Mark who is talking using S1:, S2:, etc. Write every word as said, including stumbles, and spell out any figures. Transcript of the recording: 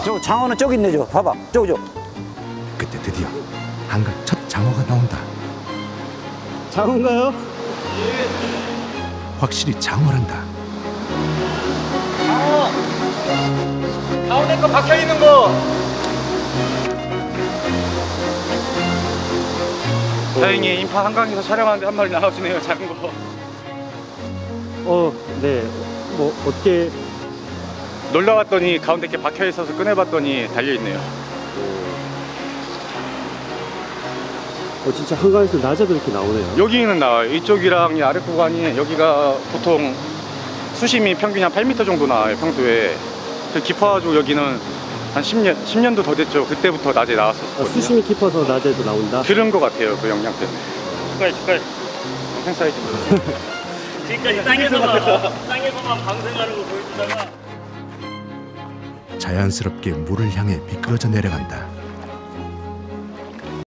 S1: 저 장어는 저기 있네. 저 봐봐. 저기 저.
S2: 그때 드디어 한강 첫 장어가 나온다.
S3: 장어인가요?
S2: 확실히 장어란다.
S4: 장어! 가운데 거 박혀있는 거! 다행히 인파 한강에서 촬영하는데 한 마리 나와주네요. 작은 거.
S3: 어, 네. 뭐 어떻게?
S4: 놀러 왔더니 가운데 게 박혀 있어서 꺼내봤더니 달려 있네요.
S3: 어, 진짜 한강에서 낮에도 이렇게 나오네요.
S4: 여기는 나와요. 이쪽이랑 이 아래 구간이 여기가 보통 수심이 평균 한 팔 미터 정도 나와요. 평소에. 그 깊어가지고 여기는 한 십 년, 십 년도 더 됐죠. 그때부터 낮에 나왔었거든요.
S3: 아, 수심이 깊어서 낮에도 나온다?
S4: 그런 것 같아요. 그 영향 때문에. 축하해, 축하해. 평생 사이즈.
S5: 지금까지 땅에서만 땅에서만 방생하는 거 보여주다가
S2: 자연스럽게 물을 향해 미끄러져 내려간다.